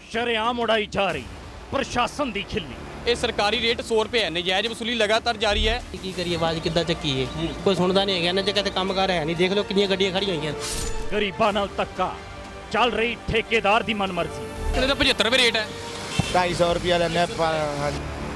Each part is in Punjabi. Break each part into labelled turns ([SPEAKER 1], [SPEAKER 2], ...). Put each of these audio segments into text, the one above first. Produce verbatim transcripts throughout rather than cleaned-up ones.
[SPEAKER 1] ਸ਼ਰੇਆਮ ਉਡਾਈ ਜਾ ਰਹੀ ਪ੍ਰਸ਼ਾਸਨ ਦੀ ਖਿੱਲੀ।
[SPEAKER 2] ਇਹ ਸਰਕਾਰੀ ਰੇਟ ਸੌ ਰੁਪਏ ਹੈ, ਨਜਾਇਜ਼ ਵਸੂਲੀ ਲਗਾਤਾਰ ਜਾਰੀ ਹੈ।
[SPEAKER 3] ਕੀ ਕਰੀਏ, ਆਵਾਜ਼ ਕਿੱਦਾਂ ਚੱਕੀਏ, ਕੋਈ ਸੁਣਦਾ ਨਹੀਂ ਹੈਗਾ। ਇਹਨਾਂ ਜਗ੍ਹਾ ਤੇ ਕੰਮਕਾਰ ਹੈ ਨਹੀਂ, ਦੇਖ ਲਓ ਕਿੰਨੀਆਂ ਗੱਡੀਆਂ ਖੜੀਆਂ ਹੋਈਆਂ।
[SPEAKER 1] ਗਰੀਬਾਂ ਨਾਲ ਧੱਕਾ, ਚੱਲ ਰਹੀ ਠੇਕੇਦਾਰ ਦੀ ਮਨਮਰਜ਼ੀ।
[SPEAKER 2] ਇਹਦਾ ਤਾਂ ਪਝੱਤਰ ਰੁਪਏ ਰੇਟ ਹੈ।
[SPEAKER 4] ਢਾਈ ਸੌ ਰੁਪਇਆ ਲੈਂਦੇ ਆਪਾਂ।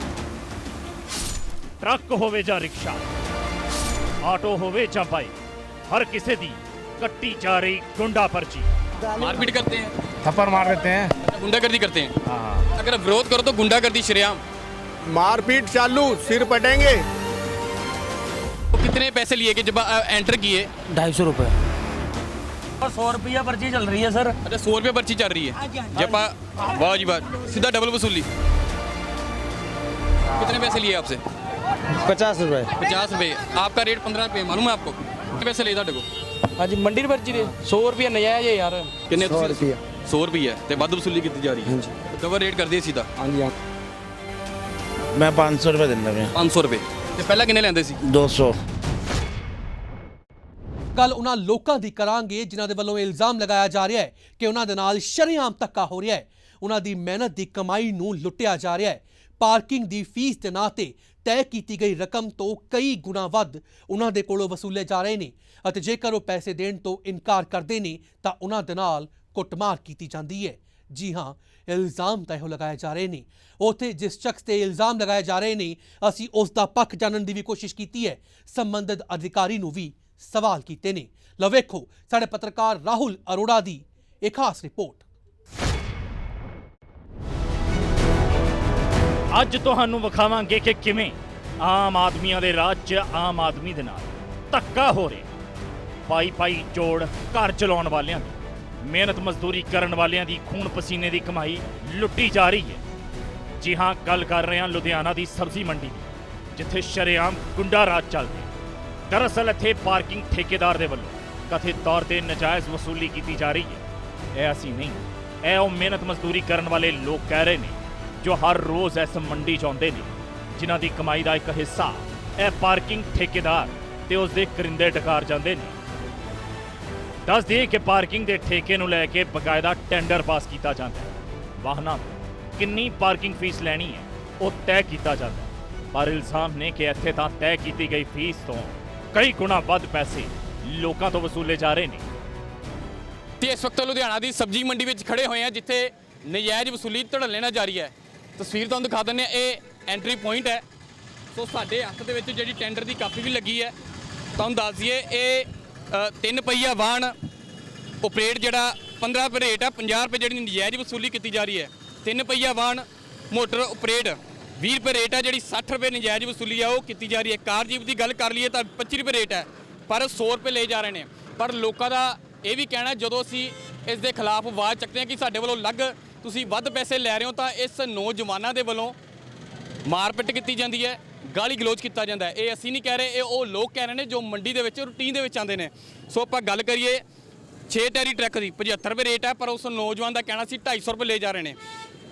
[SPEAKER 1] ਟਰੱਕ ਹੋਵੇ ਜਾਂ ਰਿਕਸ਼ਾ, ਆਟੋ ਹੋਵੇ ਜਾਂ ਬਾਈਕ, हर किसी दी कट्टी जा रही गुंडा पर्ची।
[SPEAKER 2] मारपीट करते हैं,
[SPEAKER 4] थप्पड़ मार देते हैं,
[SPEAKER 2] गुंडागर्दी करते हैं। हाँ। अगर विरोध करो तो गुंडागर्दी शरेआम।
[SPEAKER 4] मारपीट चालू, सिर पटेंगे।
[SPEAKER 2] तो कितने पैसे लिए कि जब एंटर किए?
[SPEAKER 3] ढाई सौ रुपये
[SPEAKER 5] और सौ रुपया पर्ची चल रही है सर।
[SPEAKER 2] अच्छा, सौ रुपये पर्ची चल रही है। जब वाह जी वाह, सीधा डबल वसूली। कितने पैसे लिए आपसे?
[SPEAKER 4] पचास रुपए।
[SPEAKER 2] पचास रुपये। आपका रेट पंद्रह रुपये, मालूम है आपको? कितने पैसे ले ਤੁਹਾਡੇ ਕੋਲ?
[SPEAKER 5] हाँ जी, मंडी पर्ची दे सौ रुपया नजायज है यार।
[SPEAKER 2] किन्ने?
[SPEAKER 4] सौ रुपया।
[SPEAKER 2] सौ रुपये ते ਵੱਧ ਵਸੂਲੀ ਕੀਤੀ ਜਾ ਰਹੀ ਹੈ। ਡਬਲ ਰੇਟ ਕਰ ਦਿਏ ਸਿੱਧਾ।
[SPEAKER 4] हाँ जी हाँ। मैं पाँच सौ रुपये ਦਿੰਦਾ ਪਿਆ।
[SPEAKER 2] ਪੰਜ ਸੌ ਰੁਪਏ ਤੇ ਪਹਿਲਾਂ ਕਿੰਨੇ ਲੈਂਦੇ ਸੀ?
[SPEAKER 4] दो सौ।
[SPEAKER 6] ਗੱਲ ਉਹਨਾਂ ਲੋਕਾਂ ਦੀ ਕਰਾਂਗੇ ਜਿਨ੍ਹਾਂ ਦੇ ਵੱਲੋਂ ਇਲਜ਼ਾਮ ਲਗਾਇਆ ਜਾ ਰਿਹਾ ਹੈ ਕਿ ਉਹਨਾਂ ਦੇ ਨਾਲ ਸ਼ਰੇਆਮ ਧੱਕਾ ਹੋ ਰਿਹਾ ਹੈ। ਉਹਨਾਂ ਦੀ ਮਿਹਨਤ ਦੀ ਕਮਾਈ ਨੂੰ ਲੁੱਟਿਆ ਜਾ ਰਿਹਾ ਹੈ। ਪਾਰਕਿੰਗ ਦੀ ਫੀਸ ਦੇ ਨਾਂ ਤੇ ਤੈਅ ਕੀਤੀ ਗਈ ਰਕਮ ਤੋਂ ਕਈ ਗੁਣਾ ਵੱਧ ਉਹਨਾਂ ਦੇ ਕੋਲੋਂ ਵਸੂਲੇ ਜਾ ਰਹੇ ਨੇ ਅਤੇ ਜੇਕਰ ਉਹ ਪੈਸੇ ਦੇਣ ਤੋਂ ਇਨਕਾਰ ਕਰਦੇ ਨੇ ਤਾਂ ਉਹਨਾਂ ਦੇ ਨਾਲ ਕੁੱਟਮਾਰ ਕੀਤੀ ਜਾਂਦੀ ਹੈ। ਜੀ ਹਾਂ, ਇਲਜ਼ਾਮ ਤਾਂ ਇਹੋ ਲਗਾਏ ਜਾ ਰਹੇ ਨੇ। ਉੱਥੇ ਜਿਸ ਸ਼ਖਸ ਤੇ ਇਲਜ਼ਾਮ ਲਗਾਏ ਜਾ ਰਹੇ ਨੇ, ਅਸੀਂ ਉਸ ਦਾ ਪੱਖ ਜਾਣਨ ਦੀ ਵੀ ਕੋਸ਼ਿਸ਼ ਕੀਤੀ ਹੈ। ਸੰਬੰਧਿਤ ਅਧਿਕਾਰੀ ਨੂੰ ਵੀ ਸਵਾਲ ਕੀਤੇ ਨੇ। ਲਓ ਵੇਖੋ ਸਾਡੇ ਪੱਤਰਕਾਰ ਰਾਹੁਲ ਅਰੋੜਾ ਦੀ ਇਹ ਖਾਸ ਰਿਪੋਰਟ।
[SPEAKER 1] ਅੱਜ ਤੁਹਾਨੂੰ ਵਿਖਾਵਾਂਗੇ ਕਿ ਕਿਵੇਂ ਆਮ ਆਦਮੀਆਂ ਦੇ ਰਾਜ 'ਚ ਆਮ ਆਦਮੀ ਦੇ ਨਾਲ ਧੱਕਾ ਹੋ ਰਿਹਾ। ਪਾਈ ਪਾਈ ਜੋੜ ਘਰ ਚਲਾਉਣ ਵਾਲਿਆਂ ਦੀ, ਮਿਹਨਤ ਮਜ਼ਦੂਰੀ ਕਰਨ ਵਾਲਿਆਂ ਦੀ ਖੂਨ ਪਸੀਨੇ ਦੀ ਕਮਾਈ ਲੁੱਟੀ ਜਾ ਰਹੀ ਹੈ। ਜੀ ਹਾਂ, ਗੱਲ ਕਰ ਰਹੇ ਹਾਂ ਲੁਧਿਆਣਾ ਦੀ ਸਬਜ਼ੀ ਮੰਡੀ ਦੀ, ਜਿੱਥੇ ਸ਼ਰੇਆਮ ਗੁੰਡਾ ਰਾਜ ਚੱਲ ਰਿਹਾ। ਦਰਅਸਲ ਇੱਥੇ ਪਾਰਕਿੰਗ ਠੇਕੇਦਾਰ ਦੇ ਵੱਲੋਂ ਕਥਿਤ ਤੌਰ ਤੇ ਨਜਾਇਜ਼ ਵਸੂਲੀ ਕੀਤੀ ਜਾ ਰਹੀ ਹੈ। ਇਹ ਅਸੀਂ ਨਹੀਂ, ਇਹ ਉਹ ਮਿਹਨਤ ਮਜ਼ਦੂਰੀ ਕਰਨ ਵਾਲੇ ਲੋਕ ਕਹਿ ਰਹੇ ਨੇ ਜੋ ਹਰ ਰੋਜ਼ ਇਸ ਮੰਡੀ 'ਚ ਆਉਂਦੇ ਨੇ, ਜਿਨ੍ਹਾਂ ਦੀ ਕਮਾਈ ਦਾ ਇੱਕ ਹਿੱਸਾ ਇਹ ਪਾਰਕਿੰਗ ਠੇਕੇਦਾਰ ਤੇ ਉਸ ਦੇ ਕਰਿੰਦੇ ਡਕਾਰ ਜਾਂਦੇ ਨੇ। ਦੱਸ ਦਈਏ ਕਿ ਪਾਰਕਿੰਗ ਦੇ ਠੇਕੇ ਨੂੰ ਲੈ ਕੇ ਬਕਾਇਦਾ ਟੈਂਡਰ ਪਾਸ ਕੀਤਾ ਜਾਂਦਾ ਹੈ। ਵਾਹਨਾਂ ਤੋਂ ਕਿੰਨੀ ਪਾਰਕਿੰਗ ਫੀਸ ਲੈਣੀ ਹੈ ਉਹ ਤੈਅ ਕੀਤਾ ਜਾਂਦਾ ਹੈ, ਪਰ ਇਲਜ਼ਾਮ ਨੇ ਕਿ ਇੱਥੇ ਤਾਂ ਤੈਅ ਕੀਤੀ ਗਈ ਫੀਸ ਤੋਂ ਕਈ ਗੁਣਾ ਵੱਧ ਪੈਸੇ ਲੋਕਾਂ ਤੋਂ ਵਸੂਲੇ ਜਾ ਰਹੇ ਨੇ।
[SPEAKER 2] ਤੇ ਇਸ ਵਕਤ ਲੁਧਿਆਣਾ ਦੀ ਸਬਜ਼ੀ ਮੰਡੀ ਵਿੱਚ ਖੜੇ ਹੋਏ ਆ, ਜਿੱਥੇ ਨਜਾਇਜ਼ ਵਸੂਲੀ ਧੜੱਲੇ ਨਾਲ ਜਾਰੀ ਹੈ। ਤਸਵੀਰ ਤੁਹਾਨੂੰ ਦਿਖਾ ਦਿੰਦੇ ਆ, ਇਹ ਐਂਟਰੀ ਪੁਆਇੰਟ ਹੈ। ਸੋ ਸਾਡੇ ਹੱਥ ਦੇ ਵਿੱਚ ਜਿਹੜੀ ਟੈਂਡਰ ਦੀ ਕਾਪੀ ਵੀ ਲੱਗੀ ਹੈ। ਤੁਹਾਨੂੰ ਦੱਸ ਦਈਏ ਇਹ ਤਿੰਨ ਪਹੀਆ ਵਾਹਨ ਓਪਰੇਟ ਜਿਹੜਾ ਪੰਦਰਾਂ ਰੁਪਏ ਰੇਟ ਹੈ, ਪੰਜਾਹ ਰੁਪਏ ਜਿਹੜੀ ਨਜਾਇਜ਼ ਵਸੂਲੀ ਕੀਤੀ ਜਾ ਰਹੀ ਹੈ। ਤਿੰਨ ਪਹੀਆ ਵਾਹਨ ਮੋਟਰ ਓਪਰੇਟ ਵੀਹ ਰੁਪਏ ਰੇਟ ਹੈ, ਜਿਹੜੀ ਸੱਠ ਰੁਪਏ ਨਜਾਇਜ਼ ਵਸੂਲੀ ਆ ਉਹ ਕੀਤੀ ਜਾ ਰਹੀ ਹੈ। ਕਾਰ ਜੀਪ ਦੀ ਗੱਲ ਕਰ ਲਈਏ ਤਾਂ ਪੱਚੀ ਰੁਪਏ ਰੇਟ ਹੈ, ਪਰ ਸੌ ਰੁਪਏ ਲਏ ਜਾ ਰਹੇ ਨੇ। ਪਰ ਲੋਕਾਂ ਦਾ ਇਹ ਵੀ ਕਹਿਣਾ, ਜਦੋਂ ਅਸੀਂ ਇਸ ਦੇ ਖਿਲਾਫ ਆਵਾਜ਼ ਚੱਕਦੇ ਹਾਂ ਕਿ ਸਾਡੇ ਵੱਲੋਂ ਅਲੱਗ ਤੁਸੀਂ ਵੱਧ ਪੈਸੇ ਲੈ ਰਹੇ ਹੋ, ਤਾਂ ਇਸ ਨੌਜਵਾਨਾਂ ਦੇ ਵੱਲੋਂ ਮਾਰਪਿੱਟ ਕੀਤੀ ਜਾਂਦੀ ਹੈ, ਗਾਲੀ ਗਲੋਚ ਕੀਤਾ ਜਾਂਦਾ ਹੈ। ਇਹ ਅਸੀਂ ਨਹੀਂ ਕਹਿ ਰਹੇ, ਇਹ ਉਹ ਲੋਕ ਕਹਿ ਰਹੇ ਨੇ ਜੋ ਮੰਡੀ ਦੇ ਵਿੱਚ ਰੂਟੀਨ ਦੇ ਵਿੱਚ ਆਉਂਦੇ ਨੇ। ਸੋ ਆਪਾਂ ਗੱਲ ਕਰੀਏ ਛੇ ਟੈਰੀ ਟਰੱਕ ਦੀ, ਪਝੱਤਰ ਰੁਪਏ ਰੇਟ ਹੈ, ਪਰ ਉਸ ਨੌਜਵਾਨ ਦਾ ਕਹਿਣਾ ਸੀ ਢਾਈ ਸੌ ਰੁਪਏ ਲੈ ਜਾ ਰਹੇ ਨੇ।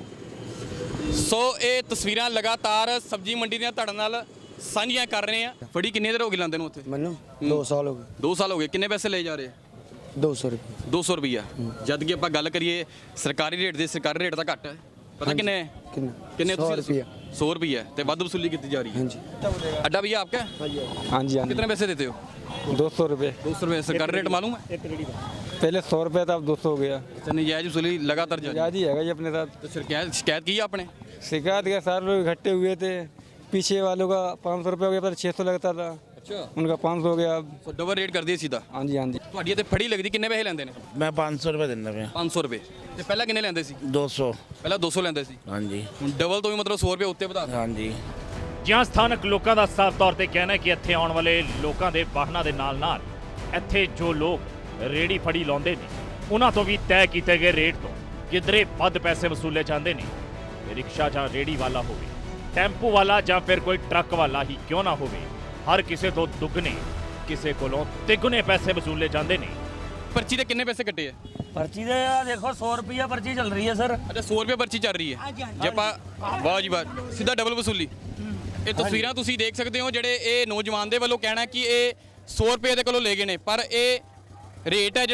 [SPEAKER 2] ਸੋ ਇਹ ਤਸਵੀਰਾਂ ਲਗਾਤਾਰ ਸਬਜ਼ੀ ਮੰਡੀ ਦੀਆਂ ਤੁਹਾਡੇ ਨਾਲ ਸਾਂਝੀਆਂ ਕਰ ਰਹੇ ਆ। ਫੜੀ ਕਿੰਨੇ ਦੇਰ ਹੋ ਗਈ ਲਾਂਦੇ ਨੂੰ ਉੱਥੇ?
[SPEAKER 4] ਮੈਨੂੰ दो साल हो गए।
[SPEAKER 2] ਦੋ ਸਾਲ ਹੋ ਗਏ। ਕਿੰਨੇ ਪੈਸੇ ਲਏ ਜਾ ਰਹੇ?
[SPEAKER 4] दो सौ रुपये।
[SPEAKER 2] ਦੋ ਸੌ ਰੁਪਈਆ। ਜਦ ਕਿ ਆਪਾਂ ਗੱਲ ਕਰੀਏ ਸਰਕਾਰੀ ਰੇਟ ਦੇ, ਸਰਕਾਰੀ ਰੇਟ ਤਾਂ ਘੱਟ ਹੈ। ਪਤਾ ਕਿੰਨੇ
[SPEAKER 4] कितना?
[SPEAKER 2] ਕਿੰਨੇ
[SPEAKER 4] सौ रुपया।
[SPEAKER 2] सौ रुपया ਤੇ ਵੱਧ ਵਸੂਲੀ ਕੀਤੀ ਜਾ ਰਹੀ ਹੈ।
[SPEAKER 4] हाँ जी
[SPEAKER 2] अड्डा भैया आपका?
[SPEAKER 4] हाँ जी हाँ जी।
[SPEAKER 2] कितने पैसे देते हो?
[SPEAKER 7] दो सौ रुपये।
[SPEAKER 2] दो सौ रुपये सरकारी रेट मालूम है?
[SPEAKER 7] पहले सौ रुपये था, अब दो सौ हो गया।
[SPEAKER 2] अच्छा, नजायज वसूली लगातार जारी।
[SPEAKER 7] याद ही है जी अपने साथ।
[SPEAKER 2] तो शिकायत शिकायत की है आपने?
[SPEAKER 7] शिकायत के सारे लोग इकट्ठे हुए थे, पीछे वालों का पाँच सौ रुपये हो गया, पहले छः सौ लगता था,
[SPEAKER 2] अच्छा,
[SPEAKER 7] उनका पाँच सौ हो गया।
[SPEAKER 2] तो डबल रेट कर दिए सीधा।
[SPEAKER 7] हाँ जी हाँ जी।
[SPEAKER 2] ਤੁਹਾਡੀ ਤੇ ਫੜੀ ਲੱਗਦੀ ਕਿੰਨੇ ਪੈਸੇ ਲੈਂਦੇ ਨੇ?
[SPEAKER 4] मैं पाँच सौ रुपये ਦਿੰਦਾ ਪਿਆ।
[SPEAKER 2] ਪੰਜ ਸੌ ਰੁਪਏ ਤੇ ਪਹਿਲਾਂ ਕਿੰਨੇ ਲੈਂਦੇ ਸੀ?
[SPEAKER 4] दो सौ।
[SPEAKER 2] ਪਹਿਲਾਂ ਦੋ ਸੌ ਲੈਂਦੇ ਸੀ,
[SPEAKER 4] हाँ जी
[SPEAKER 2] ਹੁਣ ਡਬਲ ਤੋਂ ਵੀ ਮਤਲਬ ਸੌ ਰੁਪਏ ਉੱਤੇ ਵਧਾ ਦਿੱਤਾ।
[SPEAKER 4] हाँ जी।
[SPEAKER 1] ਜਿਹਾਂ ਸਥਾਨਕ ਲੋਕਾਂ ਦਾ ਸਾਫ਼ ਤੌਰ ਤੇ ਕਹਿਣਾ ਹੈ ਕਿ ਇੱਥੇ ਆਉਣ ਵਾਲੇ ਲੋਕਾਂ ਦੇ ਵਾਹਨਾਂ ਦੇ ਨਾਲ-ਨਾਲ ਇੱਥੇ ਜੋ ਲੋਕ ਰੇੜੀ ਫੜੀ ਲਾਉਂਦੇ ਨੇ, ਉਹਨਾਂ ਤੋਂ ਵੀ ਤੈਅ ਕੀਤੇ ਗਏ ਰੇਟ ਤੋਂ ਕਿਧਰੇ ਵੱਧ ਪੈਸੇ ਵਸੂਲੇ ਜਾਂਦੇ ਨੇ। ਰਿਕਸ਼ਾ ਜਾਂ ਰੇੜੀ ਵਾਲਾ ਹੋਵੇ, ਟੈਂਪੂ ਵਾਲਾ ਜਾਂ ਫਿਰ ਕੋਈ ਟਰੱਕ ਵਾਲਾ ਹੀ ਕਿਉਂ ਨਾ ਹੋਵੇ, ਹਰ ਕਿਸੇ ਤੋਂ ਦੁੱਗਣੇ, ਕਿਸੇ ਕੋਲੋਂ ਤਿੱਗਣੇ ਪੈਸੇ ਵਸੂਲੇ ਜਾਂਦੇ ਨੇ।
[SPEAKER 2] पर्ची ਦੇ ਕਿੰਨੇ ਪੈਸੇ ਕੱਟੇ ਆ?
[SPEAKER 5] पर्ची दे यार देखो सौ रुपया पर्ची चल रही है सर।
[SPEAKER 2] ਅੱਛਾ, ਸੌ ਰੁਪਏ ਪਰਚੀ ਚੱਲ ਰਹੀ ਹੈ। ਜੇ ਆਪਾਂ ਵਾਹ ਜੀ ਵਾਹ, ਸਿੱਧਾ ਡਬਲ ਵਸੂਲੀ। ਇਹ ਤਸਵੀਰਾਂ ਤੁਸੀਂ ਦੇਖ ਸਕਦੇ ਹੋ, ਜਿਹੜੇ ਇਹ ਨੌਜਵਾਨ ਦੇ ਵੱਲੋਂ ਕਹਿਣਾ ਕਿ ਇਹ ਸੌ ਰੁਪਏ ਦੇ ਕੋਲੋਂ ਲੈ ਗਏ ਨੇ, ਪਰ ਇਹ ਰੇਟ ਹੈ ਜਿਹੜਾ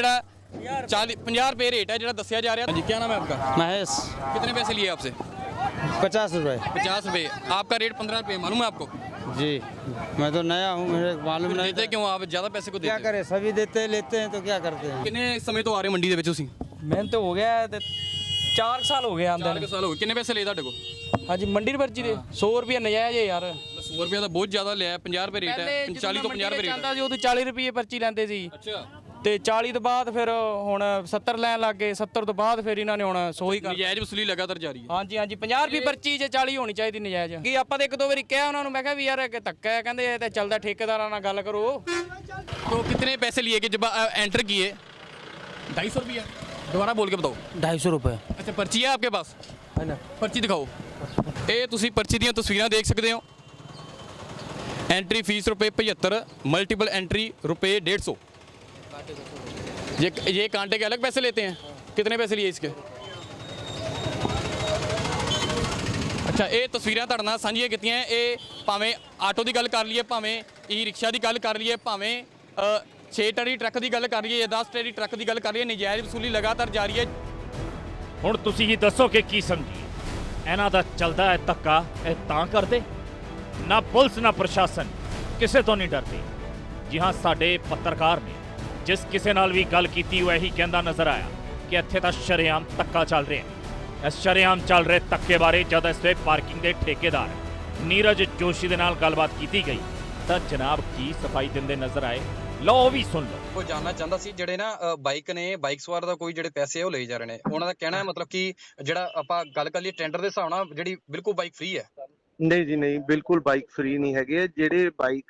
[SPEAKER 2] चालीस पंजाह रुपये रेट है जो दसिया जा रहा है जी। क्या नाम है आपका?
[SPEAKER 7] महेश
[SPEAKER 2] कितने पैसे लिए आपसे?
[SPEAKER 7] पचास रुपए।
[SPEAKER 2] पचास रुपये। आपका रेट पंद्रह रुपये, मालूम है आपको?
[SPEAKER 7] जी मैं तो नया हूँ, मुझे मालूम नहीं।
[SPEAKER 2] देते क्यों आप ज़्यादा पैसे को?
[SPEAKER 7] क्या
[SPEAKER 2] देते
[SPEAKER 7] करें, सभी देते हैं, लेते हैं तो क्या करते हैं।
[SPEAKER 2] कितने समय तो आ रहे मंडी ਦੇ ਵਿੱਚ ਤੁਸੀਂ?
[SPEAKER 5] ਮੈਨੂੰ ਤਾਂ ਹੋ ਗਿਆ ਤੇ ਚਾਰ ਸਾਲ ਹੋ ਗਏ ਆਂਦੇ
[SPEAKER 2] ਚਾਰ ਕੁ ਸਾਲ ਹੋ ਗਏ। ਕਿੰਨੇ ਪੈਸੇ ਲਏ ਤੁਹਾਡੇ ਕੋਲ?
[SPEAKER 5] ਹਾਂਜੀ ਮੰਡੀ ਦੀ ਪਰਚੀ ਦੇ ਸੌ ਰੁਪਏ ਨਜਾਇਜ਼ ਹੈ ਯਾਰ।
[SPEAKER 2] ਸੌ ਰੁਪਏ ਤਾਂ ਬਹੁਤ ਜ਼ਿਆਦਾ ਲਿਆ। ਪੰਜਾਹ ਰੁਪਏ ਰੇਟ ਹੈ, ਚਾਲੀ ਤੋਂ ਪੰਜਾਹ ਰੁਪਏ ਰੇਟ
[SPEAKER 5] ਜਾਂਦਾ ਸੀ ਉਦੋਂ ਚਾਲੀ ਰੁਪਏ ਪਰਚੀ ਲੈਂਦੇ ਸੀ
[SPEAKER 2] ਅੱਛਾ।
[SPEAKER 5] ਤੇ ਚਾਲੀ ਤੋਂ ਬਾਅਦ ਫਿਰ ਹੁਣ ਸੱਤਰ ਲੈਣ ਲੱਗ ਗਏ। ਸੱਤਰ ਤੋਂ ਬਾਅਦ ਫਿਰ ਇਹਨਾਂ ਨੇ ਹੁਣ ਸੌ ਹੀ ਕਰ
[SPEAKER 2] ਨਜਾਇਜ਼ ਵਸੂਲੀ ਲਗਾਤਾਰ ਜਾਰੀ ਹੈ।
[SPEAKER 5] ਹਾਂਜੀ ਹਾਂਜੀ ਪੰਜਾਹ ਰੁਪਏ ਪਰਚੀ ਜੇ ਚਾਲੀ ਹੋਣੀ ਚਾਹੀਦੀ ਨਜਾਇਜ਼। ਕੀ ਆਪਾਂ ਤਾਂ ਇੱਕ ਦੋ ਵਾਰੀ ਕਿਹਾ ਉਹਨਾਂ ਨੂੰ, ਮੈਂ ਕਿਹਾ ਵੀ ਯਾਰ ਇਹ ਧੱਕਾ ਹੈ, ਕਹਿੰਦੇ ਇਹ ਤਾਂ ਚੱਲਦਾ, ਠੇਕੇਦਾਰਾਂ ਨਾਲ ਗੱਲ ਕਰੋ।
[SPEAKER 2] तो कितने पैसे लिए कि जब एंटर किए? ढाई सौ रुपया। दोबारा बोल के बताओ।
[SPEAKER 3] ढाई सौ रुपये
[SPEAKER 2] अच्छा पर्ची है आपके पास? पर्ची दिखाओ। ਇਹ ਤੁਸੀਂ ਪਰਚੀ ਦੀਆਂ ਤਸਵੀਰਾਂ ਦੇਖ ਸਕਦੇ ਹੋ। एंट्री फीस रुपये पचहत्तर, मल्टीपल एंट्री रुपये डेढ़ सौ। ये ये कांटे के अलग पैसे लेते हैं? कितने पैसे लिए इसके? ਅੱਛਾ ਇਹ ਤਸਵੀਰਾਂ ਤੁਹਾਡੇ ਨਾਲ ਸਾਂਝੀਆਂ ਕੀਤੀਆਂ। ਇਹ ਭਾਵੇਂ ਆਟੋ ਦੀ ਗੱਲ ਕਰ ਲਈਏ, ਭਾਵੇਂ ਈ ਰਿਕਸ਼ਾ ਦੀ ਗੱਲ ਕਰ ਲਈਏ, ਭਾਵੇਂ ਛੇ ਟਰੀ ਟਰੱਕ ਦੀ ਗੱਲ ਕਰ ਲਈਏ ਜਾਂ ਦਸ ਟਰੀ ਟਰੱਕ ਦੀ ਗੱਲ ਕਰ ਲਈਏ, ਨਜਾਇਜ਼ ਵਸੂਲੀ ਲਗਾਤਾਰ ਜਾਰੀ ਹੈ।
[SPEAKER 1] ਹੁਣ ਤੁਸੀਂ ਹੀ ਦੱਸੋ ਕਿ ਕੀ ਸਮਝੀ ਇਹਨਾਂ ਦਾ ਚੱਲਦਾ ਹੈ ਧੱਕਾ। ਇਹ ਤਾਂ ਕਰਦੇ ਨਾ ਪੁਲਿਸ ਨਾ ਪ੍ਰਸ਼ਾਸਨ ਕਿਸੇ ਤੋਂ ਨਹੀਂ ਡਰਦੇ। ਜੀ ਹਾਂ, ਸਾਡੇ ਪੱਤਰਕਾਰ ਨੇ ਜਿਸ ਕਿਸੇ ਨਾਲ ਵੀ ਗੱਲ ਕੀਤੀ ਉਹ ਇਹੀ ਕਹਿੰਦਾ ਨਜ਼ਰ ਆਇਆ ਕਿ ਇੱਥੇ ਤਾਂ ਸ਼ਰੇਆਮ ਧੱਕਾ ਚੱਲ ਰਿਹਾ ਹੈ। ਇਸ ਸ਼ਰੇਆਮ ਚੱਲ ਰਹੇ ਧੱਕੇ ਬਾਰੇ ਜਦ ਇਸ ਵੇ ਪਾਰਕਿੰਗ ਦੇ ਠੇਕੇਦਾਰ ਨੀਰਜ ਜੋਸ਼ੀ ਦੇ ਨਾਲ ਗੱਲਬਾਤ ਕੀਤੀ ਗਈ ਤਾਂ ਜਨਾਬ ਕੀ ਸਫਾਈ ਦਿੰਦੇ ਨਜ਼ਰ ਆਏ। ਲਓ ਉਹ ਵੀ ਸੁਣ ਲਓ।
[SPEAKER 8] ਉਹ ਜਾਨਣਾ ਚਾਹੁੰਦਾ ਸੀ ਜਿਹੜੇ ਨਾ ਬਾਈਕ ਨੇ, ਬਾਈਕ ਸਵਾਰ ਦਾ ਕੋਈ ਜਿਹੜੇ ਪੈਸੇ ਉਹ ਲਈ ਜਾ ਰਹੇ ਨੇ, ਉਹਨਾਂ ਦਾ ਕਹਿਣਾ ਹੈ ਮਤਲਬ ਕਿ ਜਿਹੜਾ ਆਪਾਂ ਗੱਲ ਕਰ ਲਈਏ ਟੈਂਡਰ ਦੇ ਹਿਸਾਬ ਨਾਲ ਜਿਹੜੀ ਬਿਲਕੁਲ ਬਾਈਕ ਫ੍ਰੀ ਹੈ।
[SPEAKER 4] ਨਹੀਂ ਜੀ ਨਹੀਂ, ਬਿਲਕੁਲ ਬਾਈਕ ਫ੍ਰੀ ਨਹੀਂ ਹੈਗੇ। ਜਿਹੜੇ ਬਾਈਕ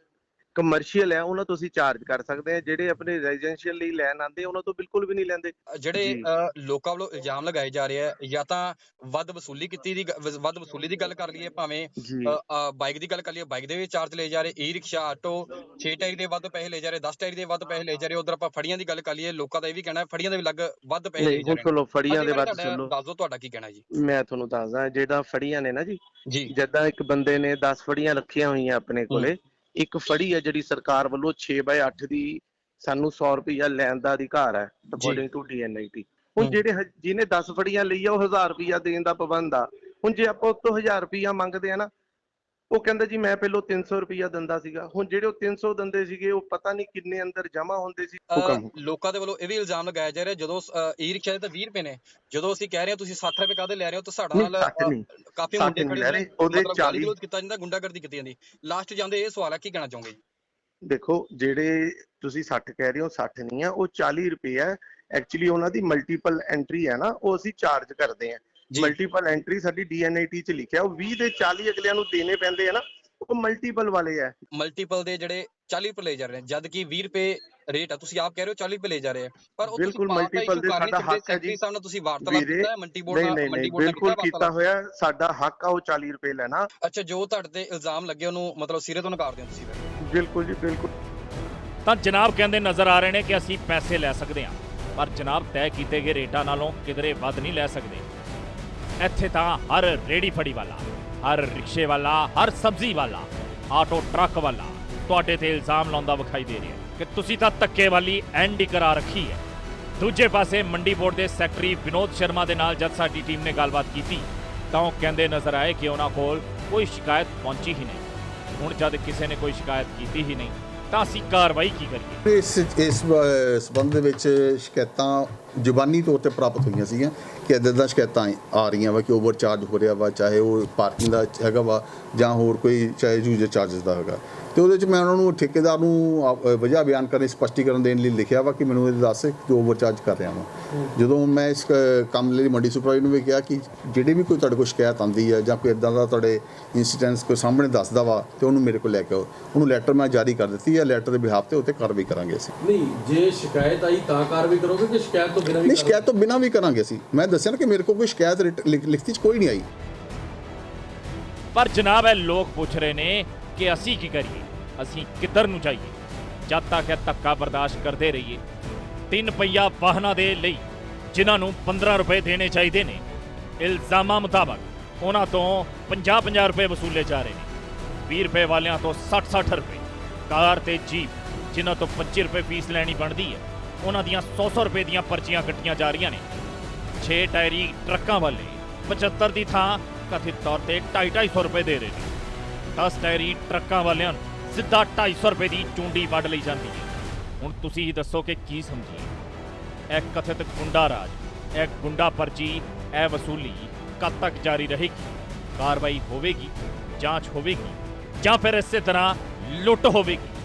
[SPEAKER 4] ਕਮਰਸ਼ੀਅਲ ਹੈ ਉਹਨਾਂ ਤੋਂ ਅਸੀਂ ਚਾਰਜ ਕਰ ਸਕਦੇ ਹਾਂ। ਜਿਹੜੇ ਆਪਣੇ ਰੈਜ਼ੀਡੈਂਸ਼ੀਅਲ ਲਈ ਲੈਣ ਆਉਂਦੇ ਉਹਨਾਂ ਤੋਂ ਬਿਲਕੁਲ ਵੀ ਨਹੀਂ ਲੈਂਦੇ।
[SPEAKER 8] ਜਿਹੜੇ ਲੋਕਾਂ ਵੱਲੋਂ ਇਲਜ਼ਾਮ ਲਗਾਏ ਜਾ ਰਹੇ ਆ ਜਾਂ ਤਾਂ ਵੱਧ ਵਸੂਲੀ ਕੀਤੀ ਦੀ ਵੱਧ ਵਸੂਲੀ ਦੀ ਗੱਲ ਕਰ ਲਈਏ, ਭਾਵੇਂ ਬਾਈਕ ਦੀ ਗੱਲ ਕਰ ਲਈਏ, ਬਾਈਕ ਦੇ ਵੀ ਚਾਰਜ ਲਏ ਜਾ ਰਹੇ, ਈ ਰਿਕਸ਼ਾ ਆਟੋ ਛੇ ਟਾਇਰ ਦੇ ਵੱਧ ਪੈਸੇ ਲਏ ਜਾ ਰਹੇ, ਦਸ ਟਾਇਰ ਦੇ ਵੱਧ ਪੈਸੇ ਲਏ ਜਾ ਰਹੇ। ਉਧਰ ਆਪਾਂ ਫੜੀਆਂ ਦੀ ਗੱਲ ਕਰ ਲਈਏ, ਲੋਕਾਂ ਦਾ ਇਹ ਵੀ ਕਹਿਣਾ ਫੜੀਆਂ ਦੇ ਵੀ ਲੱਗ ਵੱਧ ਪੈਸੇ ਲਏ ਜਾ ਰਹੇ।
[SPEAKER 4] ਚਲੋ ਫੜੀਆਂ ਦੇ ਵੱਧ ਸੁਣੋ,
[SPEAKER 8] ਦੱਸ ਦਿਓ ਤੁਹਾਡਾ ਕੀ ਕਹਿਣਾ ਜੀ।
[SPEAKER 4] ਮੈਂ ਤੁਹਾਨੂੰ ਦੱਸਦਾ ਜਿਹੜਾ ਫੜੀਆਂ ਨੇ ਨਾ ਜੀ,
[SPEAKER 8] ਜੀ
[SPEAKER 4] ਜਿੱਦਾਂ ਇੱਕ ਬੰਦੇ ਨੇ ਦਸ ਫੜੀਆਂ ਰੱਖੀਆਂ ਹੋਈਆਂ ਆਪਣੇ ਕੋਲੇ, ਇੱਕ ਫੜੀ ਹੈ ਜਿਹੜੀ ਸਰਕਾਰ ਵੱਲੋਂ ਛੇ ਬਾਏ ਅੱਠ ਦੀ ਸਾਨੂੰ ਸੌ ਰੁਪਇਆ ਲੈਣ ਦਾ ਅਧਿਕਾਰ ਹੈ according to D N I T. ਹੁਣ ਜਿਹੜੇ ਜਿਹਨੇ ਦਸ ਫੜੀਆਂ ਲਈ ਆ ਉਹ ਹਜ਼ਾਰ ਰੁਪਇਆ ਦੇਣ ਦਾ ਪਾਬੰਦ ਆ। ਹੁਣ ਜੇ ਆਪਾਂ ਉਸ ਤੋਂ ਹਜ਼ਾਰ ਰੁਪਇਆ ਮੰਗਦੇ ਆ ਨਾ, ਉਹ ਕਹਿੰਦਾ ਜੀ ਮੈਂ ਪਹਿਲਾਂ ਤਿੰਨ ਸੌ ਰੁਪਇਆ ਦਿੰਦਾ ਸੀਗਾ। ਹੁਣ ਜਿਹੜੇ ਉਹ ਤਿੰਨ ਸੌ ਦਿੰਦੇ ਸੀਗੇ ਉਹ ਪਤਾ ਨਹੀਂ ਕਿੰਨੇ ਅੰਦਰ ਜਮਾ ਹੁੰਦੇ ਸੀ।
[SPEAKER 8] ਲੋਕਾਂ ਦੇ ਵੱਲੋਂ ਇਹ ਵੀ ਇਲਜ਼ਾਮ ਲਗਾਇਆ ਜਾ ਰਿਹਾ ਜਦੋਂ ਈ ਰਿਕਸ਼ਾ ਦੇ ਤਾਂ ਵੀਹ ਰੁਪਏ ਨੇ, ਜਦੋਂ ਅਸੀਂ ਕਹਿ ਰਹੇ ਹਾਂ ਤੁਸੀਂ ਸੱਠ ਰੁਪਏ ਕਾਹਦੇ ਲੈ ਰਹੇ ਹੋ, ਤਾਂ ਸਾਡਾ ਨਾਲ ਕਾਫੀ ਮੁੰਡੇ ਖੜੇ ਨੇ, ਉਹਦੇ ਚਾਲੀ ਕੀਤਾ ਜਾਂਦਾ, ਗੁੰਡਾਗਰਦੀ ਕੀਤੀ ਜਾਂਦੀ। ਲਾਸਟ ਜਾਂਦੇ ਇਹ ਸਵਾਲ ਹੈ ਕੀ ਕਹਿਣਾ ਚਾਹੋਗੇ?
[SPEAKER 4] ਦੇਖੋ ਜਿਹੜੇ ਤੁਸੀਂ ਸੱਠ ਕਹਿ ਰਹੇ ਹੋ, ਸੱਠ ਨਹੀਂ ਆ, ਉਹ ਚਾਲੀ ਰੁਪਏ ਹੈ। ਐਕਚੁਅਲੀ ਉਹਨਾਂ ਦੀ ਮਲਟੀਪਲ ਐਂਟਰੀ ਹੈ ਨਾ, ਉਹ ਅਸੀਂ ਚਾਰਜ ਕਰਦੇ ਹਾਂ। ਮਲਟੀਪਲ ਐਂਟਰੀ ਸਾਡੀ ਡੀ ਐਨ ਆਈ ਟੀ ਚ ਲਿਖਿਆ, ਉਹ ਵੀਹ ਦੇ ਚਾਲੀ ਅਗਲਿਆਂ ਨੂੰ ਦੇਣੇ ਪੈਂਦੇ ਆ ਨਾ, ਉਹ ਮਲਟੀਪਲ ਵਾਲੇ ਆ।
[SPEAKER 8] ਮਲਟੀਪਲ ਦੇ ਜਿਹੜੇ ਚਾਲੀ ਰੁਪਏ ਲੈ ਜਾ ਰਹੇ ਨੇ, ਜਦ ਕਿ ਵੀਹ ਰੁਪਏ ਰੇਟ ਆ, ਤੁਸੀਂ ਆਪ ਕਹਿ ਰਹੇ ਹੋ ਚਾਲੀ ਰੁਪਏ ਲੈ ਜਾ ਰਹੇ ਆ। ਪਰ
[SPEAKER 4] ਬਿਲਕੁਲ ਮਲਟੀਪਲ ਦੇ ਸਾਡਾ ਹੱਕ ਹੈ ਜੀ।
[SPEAKER 8] ਸਾਹਮਣੇ ਤੁਸੀਂ ਵਾਰਤਾਲਾਪ ਕੀਤਾ ਹੈ ਮੰਡੀ ਬੋਰਡ ਨਾਲ?
[SPEAKER 4] ਨਹੀਂ ਨਹੀਂ ਬਿਲਕੁਲ ਕੀਤਾ ਹੋਇਆ, ਸਾਡਾ ਹੱਕ ਆ ਉਹ ਚਾਲੀ ਰੁਪਏ ਲੈਣਾ।
[SPEAKER 8] ਅੱਛਾ, ਜੋ ਤੁਹਾਡੇ ਤੇ ਇਲਜ਼ਾਮ ਲੱਗੇ ਉਹਨੂੰ ਮਤਲਬ ਸਿਰੇ ਤੋਂ ਨਕਾਰਦੇ ਹੋ ਤੁਸੀਂ?
[SPEAKER 4] ਬਿਲਕੁਲ ਜੀ ਬਿਲਕੁਲ।
[SPEAKER 1] ਤਾਂ ਜਨਾਬ ਕਹਿੰਦੇ ਨਜ਼ਰ ਆ ਰਹੇ ਨੇ ਕਿ ਅਸੀਂ ਪੈਸੇ ਲੈ ਸਕਦੇ ਹਾਂ, ਪਰ ਜਨਾਬ ਤੈਅ ਕੀਤੇ ਗਏ ਰੇਟਾਂ ਨਾਲੋਂ ਕਿਧਰੇ ਵੱਧ ਨਹੀਂ ਲੈ ਸਕਦੇ। ਇੱਥੇ ਤਾਂ ਹਰ ਰੇੜੀ ਫੜੀ ਵਾਲਾ, ਹਰ ਰਿਕਸ਼ੇ ਵਾਲਾ, ਹਰ ਸਬਜ਼ੀ ਵਾਲਾ, ਆਟੋ ਟਰੱਕ ਵਾਲਾ ਤੁਹਾਡੇ ਤੇ ਇਲਜ਼ਾਮ ਲਾਉਂਦਾ ਵਿਖਾਈ ਦੇ ਰਿਹਾ ਕਿ ਤੁਸੀਂ ਤਾਂ ਧੱਕੇ ਵਾਲੀ ਐਂਡ ਕਰਾ ਰੱਖੀ ਹੈ। ਦੂਜੇ ਪਾਸੇ ਮੰਡੀ ਬੋਰਡ ਦੇ ਸੈਕਟਰੀ ਵਿਨੋਦ ਸ਼ਰਮਾ ਦੇ ਨਾਲ ਜਦ ਸਾਡੀ ਟੀਮ ਨੇ ਗੱਲਬਾਤ ਕੀਤੀ ਤਾਂ ਉਹ ਕਹਿੰਦੇ ਨਜ਼ਰ ਆਏ ਕਿ ਉਹਨਾਂ ਕੋਲ ਕੋਈ ਸ਼ਿਕਾਇਤ ਪਹੁੰਚੀ ਹੀ ਨਹੀਂ। ਹੁਣ ਜਦ ਕਿਸੇ ਨੇ ਕੋਈ ਸ਼ਿਕਾਇਤ ਕੀਤੀ ਹੀ ਨਹੀਂ ਤਾਂ ਅਸੀਂ ਕਾਰਵਾਈ ਕੀ ਕਰੀਏ?
[SPEAKER 9] ਇਸ ਇਸ ਸਬੰਧ ਦੇ ਵਿੱਚ ਸ਼ਿਕਾਇਤਾਂ ਜ਼ੁਬਾਨੀ ਤੌਰ ਤੇ ਪ੍ਰਾਪਤ ਹੋਈਆਂ ਸੀਗੀਆਂ ਕਿ ਇੱਦਾਂ ਦੀਆਂ ਸ਼ਿਕਾਇਤਾਂ ਆ ਰਹੀਆਂ ਵਾ ਕਿ ਓਵਰ ਚਾਰਜ ਹੋ ਰਿਹਾ ਵਾ, ਚਾਹੇ ਉਹ ਪਾਰਕਿੰਗ ਦਾ ਹੈਗਾ ਵਾ ਜਾਂ ਹੋਰ ਕੋਈ, ਚਾਹੇ ਯੂਜ਼ਰ ਚਾਰਜਸ ਦਾ ਹੈਗਾ। ਤੇ ਉਹਦੇ 'ਚ ਮੈਂ ਉਹਨਾਂ ਨੂੰ ਠੇਕੇਦਾਰ ਨੂੰ ਵਜ੍ਹਾ ਬਿਆਨ ਕਰਨ, ਸਪਸ਼ਟੀਕਰਨ ਦੇਣ ਲਈ ਲਿਖਿਆ ਵਾ ਕਿ ਮੈਨੂੰ ਇਹ ਦੱਸ ਕਿ ਓਵਰ ਚਾਰਜ ਕਰ ਰਿਹਾ ਵਾ। ਜਦੋਂ ਮੈਂ ਇਸ ਕੰਮ ਲਈ ਮੰਡੀ ਸੁਪਰਵਾਈਜ਼ਰ ਨੂੰ ਵੀ ਕਿਹਾ ਕਿ ਜਿਹੜੀ ਵੀ ਕੋਈ ਤੁਹਾਡੇ ਕੋਲ ਸ਼ਿਕਾਇਤ ਆਉਂਦੀ ਹੈ ਜਾਂ ਕੋਈ ਇੱਦਾਂ ਦਾ ਤੁਹਾਡੇ ਇੰਸੀਡੈਂਟਸ ਕੋਈ ਸਾਹਮਣੇ ਦੱਸਦਾ ਵਾ ਤੇ ਉਹਨੂੰ ਮੇਰੇ ਕੋਲ ਲੈ ਕੇ ਆਓ। ਉਹਨੂੰ ਲੈਟਰ ਮੈਂ ਜਾਰੀ ਕਰ ਦਿੱਤੀ ਹੈ, ਲੈਟਰ ਦੇ ਬਿਹਾਫ ਤੇ ਉੱਤੇ ਕਾਰਵਾਈ ਕਰਾਂਗੇ ਅਸੀਂ।
[SPEAKER 10] ਨਹੀਂ, ਜੇ ਸ਼ਿਕਾਇਤ ਆਈ ਤਾਂ ਕਾਰਵਾਈ ਕਰੋਗੇ ਕਿ ਸ਼ਿਕਾਇਤ ਤੋਂ ਬਿਨਾਂ ਵੀ?
[SPEAKER 9] ਨਹੀਂ, ਸ਼ਿਕਾਇਤ ਤੋਂ ਬਿਨਾਂ ਵੀ ਕਰਾਂਗੇ ਅਸੀਂ। ਮੈਂ ਦੱਸਿਆ ਨਾ ਕਿ ਮੇਰੇ ਕੋਲ ਕੋਈ ਸ਼ਿਕਾਇਤ ਲਿਖਤੀ 'ਚ ਕੋਈ ਨਹੀਂ ਆਈ।
[SPEAKER 1] ਪਰ ਜਨਾਬ ਇਹ ਲੋਕ ਪੁੱਛ ਰਹੇ ਨੇ ਕਿ ਅਸੀਂ ਕੀ ਕਰੀਏ, ਅਸੀਂ ਕਿੱਧਰ ਨੂੰ ਜਾਈਏ? ਜਦ ਤੱਕ ਇਹ ਧੱਕਾ ਬਰਦਾਸ਼ਤ ਕਰਦੇ ਰਹੀਏ, ਤਿੰਨ ਪਹੀਆ ਵਾਹਨਾਂ ਦੇ ਲਈ ਜਿਨ੍ਹਾਂ ਨੂੰ ਪੰਦਰਾਂ ਰੁਪਏ ਦੇਣੇ ਚਾਹੀਦੇ ਨੇ, ਇਲਜ਼ਾਮਾਂ ਮੁਤਾਬਕ ਉਹਨਾਂ ਤੋਂ ਪੰਜਾਹ ਪੰਜਾਹ ਰੁਪਏ ਵਸੂਲੇ ਜਾ ਰਹੇ ਨੇ। ਵੀਹ ਰੁਪਏ ਵਾਲਿਆਂ ਤੋਂ ਸੱਠ ਸੱਠ ਰੁਪਏ, ਕਾਰ ਤੇ ਜੀਪ ਜਿਨ੍ਹਾਂ ਤੋਂ ਪੱਚੀ ਰੁਪਏ ਫੀਸ ਲੈਣੀ ਬਣਦੀ ਹੈ, ਉਹਨਾਂ ਦੀਆਂ ਸੌ ਸੌ ਰੁਪਏ ਦੀਆਂ ਪਰਚੀਆਂ ਕੱਟੀਆਂ ਜਾ ਰਹੀਆਂ ਨੇ। ਛੇ ਟਾਇਰੀ ਟਰੱਕਾਂ ਵਾਲੇ ਪਝੱਤਰ ਦੀ ਥਾਂ ਕਥਿਤ ਤੌਰ ਤੇ ਢਾਈ ਢਾਈ ਸੌ ਰੁਪਏ ਦੇ ਰਹੇ ਨੇ। ਦਸ ਟਾਇਰੀ ਟਰੱਕਾਂ ਵਾਲਿਆਂ ਨੂੰ ਸਿੱਧਾ ਢਾਈ ਸੌ ਰੁਪਏ ਦੀ ਚੂੰਡੀ ਵੱਢ ਲਈ ਜਾਂਦੀ ਹੈ। ਹੁਣ ਤੁਸੀਂ ਹੀ ਦੱਸੋ ਕਿ ਕੀ ਸਮਝੀਏ। ਇਹ ਕਥਿਤ ਗੁੰਡਾ ਰਾਜ, ਇਹ ਗੁੰਡਾ ਪਰਚੀ, ਇਹ ਵਸੂਲੀ ਕਦ ਤੱਕ ਜਾਰੀ ਰਹੇਗੀ? ਕਾਰਵਾਈ ਹੋਵੇਗੀ, ਜਾਂਚ ਹੋਵੇਗੀ, ਜਾਂ ਫਿਰ ਇਸੇ ਤਰ੍ਹਾਂ ਲੁੱਟ ਹੋਵੇਗੀ?